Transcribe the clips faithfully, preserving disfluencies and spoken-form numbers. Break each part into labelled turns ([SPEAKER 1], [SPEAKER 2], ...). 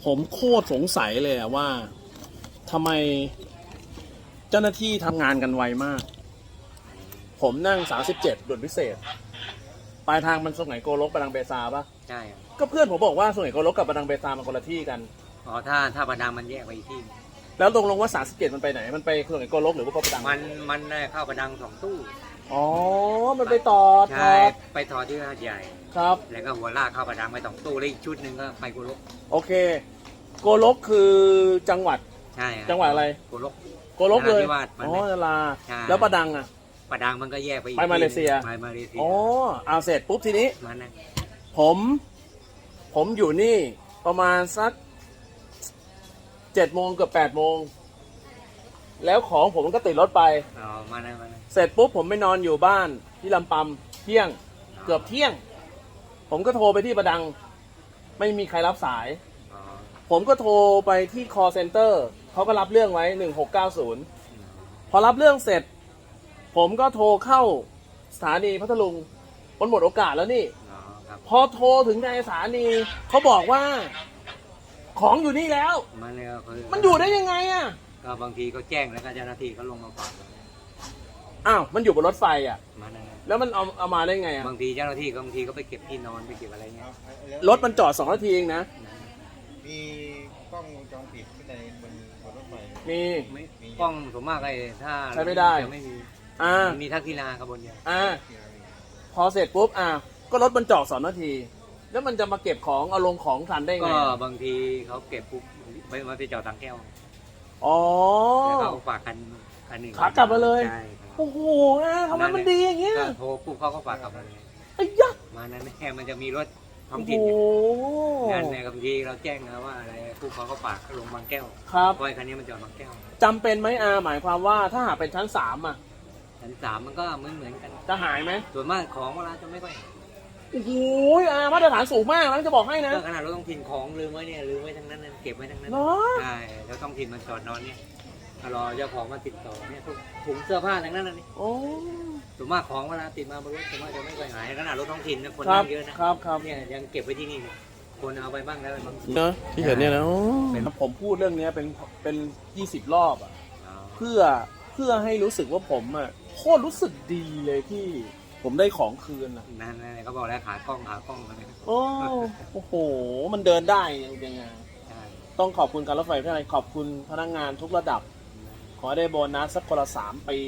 [SPEAKER 1] ผมโคตรสงสัยเลยอะว่าทำไมเจ้าหน้าที่ทำงานกันไวมาก ผมนั่งสามสิบเจ็ดด่วนพิเศษปลายทางมันสุไหงโกลกประดังเบซาปะ
[SPEAKER 2] ใช่ครับ
[SPEAKER 1] ก็เพื่อนผมบอกว่าสุไหงโกลกกับประดังเบซามันคนละที่กัน
[SPEAKER 2] อ๋อถ้าถ้าประดังมันแยกไปอีกที่
[SPEAKER 1] แล้วตรงลงว่าสามสิบเจ็ดมันไปไหนมันไปสุไหงโกลกหรือว่าประดัง
[SPEAKER 2] มันมันได้เข้าประดังสองตู้
[SPEAKER 1] อ๋อมันไปต่อ
[SPEAKER 2] ใช่
[SPEAKER 1] ทอด
[SPEAKER 2] ไปถอดที่หาดใหญ่
[SPEAKER 1] ครับ
[SPEAKER 2] แล้วก็หัวลากเข้าประดังไปสองตู้แล้วอีกชุดหนึ่งก็ไปกุลก
[SPEAKER 1] โอเคโกลกคือจังหวัด
[SPEAKER 2] ใช่ครับ
[SPEAKER 1] จังหวัดอะไร
[SPEAKER 2] กุลก
[SPEAKER 1] โกลกเลย
[SPEAKER 2] นราธิวาสมัน
[SPEAKER 1] อ๋อ
[SPEAKER 2] ไม่
[SPEAKER 1] นารา
[SPEAKER 2] ใช่
[SPEAKER 1] แล้วประดังอ่ะ
[SPEAKER 2] ประดังมันก็แยกไปอีก
[SPEAKER 1] ไปมาเลเซีย
[SPEAKER 2] ไปมาเลเซีย
[SPEAKER 1] อ๋อเอาเสร็จปุ๊บทีนี้
[SPEAKER 2] มันนะ
[SPEAKER 1] ผม ผมอยู่นี่ประมาณสักเจ็ดโมงเกือบแปดโมงแล้วของผมมันก็ติดรถไป
[SPEAKER 2] อ๋อมันนะมันนะ
[SPEAKER 1] เสร็จปุ๊บผมไปนอนอยู่บ้านที่ลำปำเที่ยงเกือบเที่ยง ผมก็โทรไปที่ประดัง ไม่มีใครรับสาย
[SPEAKER 2] อ๋อ
[SPEAKER 1] ผมก็โทรไปที่ call center เขาก็รับเรื่องไว้หนึ่งหกเก้าศูนย์พอรับเรื่องเสร็จ ผมก็โทรเข้าสถานีพัทลุงมันหมดโอกาสแล้วนี่
[SPEAKER 2] อ๋อครับ
[SPEAKER 1] พอโทรถึงในสถานีเขาบอกว่า ของอยู่นี่แล้ว
[SPEAKER 2] มันเนี่ยก็คือ
[SPEAKER 1] มันอยู่ได้ยังไงอ่ะ
[SPEAKER 2] ก็บางทีก็แจ้งแล้วก็เจ้าหน้าที่เขาลงมาฝาก
[SPEAKER 1] อ้าวมันอยู่บนรถไฟอ่ะ
[SPEAKER 2] มันนะ
[SPEAKER 1] แล้วมันเอาเอามาได้ไงอ่ะ
[SPEAKER 2] บางทีเจ้าหน้าที่ก็บางทีก็ไปเก็บที่นอนไปเก็บอะไรเงี้ย
[SPEAKER 1] รถมันจอดสองนาทีเองนะ
[SPEAKER 3] มีกล้องวงจรปิดที่ในบนบนรถไฟ
[SPEAKER 1] มี
[SPEAKER 2] ไม่กล้องส่วนมากไอ้ถ้า
[SPEAKER 1] ใช้ไม่ได้
[SPEAKER 2] จะไม่มี
[SPEAKER 1] อ่า
[SPEAKER 2] มีทักทีนาขบวนเดียว
[SPEAKER 1] อ่าพอเสร็จปุ๊บอ่ะก็รถมันจอดสองนาที แล้วมันจะมาเก็บของเอาลงของทันได้ไง
[SPEAKER 2] ก็
[SPEAKER 1] อ่ะ
[SPEAKER 2] บางทีเขาเก็บปุ๊บไปมาไปจอดตังแก้ว
[SPEAKER 1] อ๋อ
[SPEAKER 2] แล้วเขาฝากคันคันหนึ่ง
[SPEAKER 1] ขากลับมาเลย
[SPEAKER 2] ใช่ครับ
[SPEAKER 1] โอ้โหอ่ะทำไมมันดีอย่างเงี้ย
[SPEAKER 2] ก็โทรปุ๊บเขาก็ฝากกลับมาเลย
[SPEAKER 1] ไอ้ยักษ์
[SPEAKER 2] มานั้นแค่มันจะมีรถท้อ
[SPEAKER 1] โอ้
[SPEAKER 2] ง
[SPEAKER 1] โห
[SPEAKER 2] ถิ่นงานในบางทีเราแจ้งนะว่าอะไรปุ๊บเขาก็ฝากลงบางแก้ว
[SPEAKER 1] ครับ
[SPEAKER 2] เพราะไอ้คันนี้มันจอดบางแก้ว
[SPEAKER 1] จำเป็นไหมอาหมายความว่าถ้าหากเป็นชั้นสามอ่ะ
[SPEAKER 2] ชั้นสามมันก็เหมือนเหมือนกัน
[SPEAKER 1] จะหายไหม
[SPEAKER 2] ส่วนมากของเวลาจะไม่ค่อย
[SPEAKER 1] โอ้โหอามาตรฐานสูงมากแล้วจะบอกให้นะ
[SPEAKER 2] ก็ขนาดรถท้องถิ่นของลืมไว้เนี่ยลืมไว้ทั้งนั้นนะเก็บไว้ทั้งนั้น
[SPEAKER 1] เหรอ
[SPEAKER 2] ใช่แล้วท้องถิ่นมันจอดนอนเนี่ยรอเจ้าของมาติดต่อเนี่ยพวกถุงเสื้อผ้าทั้งนั้นนะนี่
[SPEAKER 1] โอ้
[SPEAKER 2] ส่วนมากของเวลาติดมาบนรถส่วนมากจะไม่ไปหายขนาดรถท้องถิ่นนะคน
[SPEAKER 1] ครับ
[SPEAKER 2] นั่งเยอะนะครับ
[SPEAKER 1] ครับ
[SPEAKER 2] เนี่ยยังเก็บไว้ที่นี่เลยคนเอาไปบ้างแล้วบางที
[SPEAKER 1] เนอะที่เห็นเนี่ยนะโอ้
[SPEAKER 2] เป็น
[SPEAKER 1] ผมพูดเรื่องเนี้ยเป็นเป็นยี่สิบรอบอ่ะ
[SPEAKER 2] อ๋อ
[SPEAKER 1] เพื่อเพื่อให้รู้สึกว่าผมอ่ะโคตรรู้สึกดีเลยที่ผมได้ของคืนอ่ะ
[SPEAKER 2] นั่นนั่นเขาบอกแล้วขากล้องขากล้องอะไร
[SPEAKER 1] โอ้โอ้โห มันเดินได้ยังไง
[SPEAKER 2] ใช่
[SPEAKER 1] ต้องขอบคุณการรถไฟประเทศไทยขอบคุณพนักงานทุกระดับ ขอให้ได้โบนัสสักคนละสามปี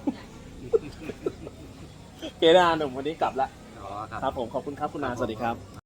[SPEAKER 1] เกดาหนุ่มวันนี้กลับละ
[SPEAKER 2] อ๋อครับ
[SPEAKER 1] ครับผมขอบคุณครับคุณนาสวัสดีครับ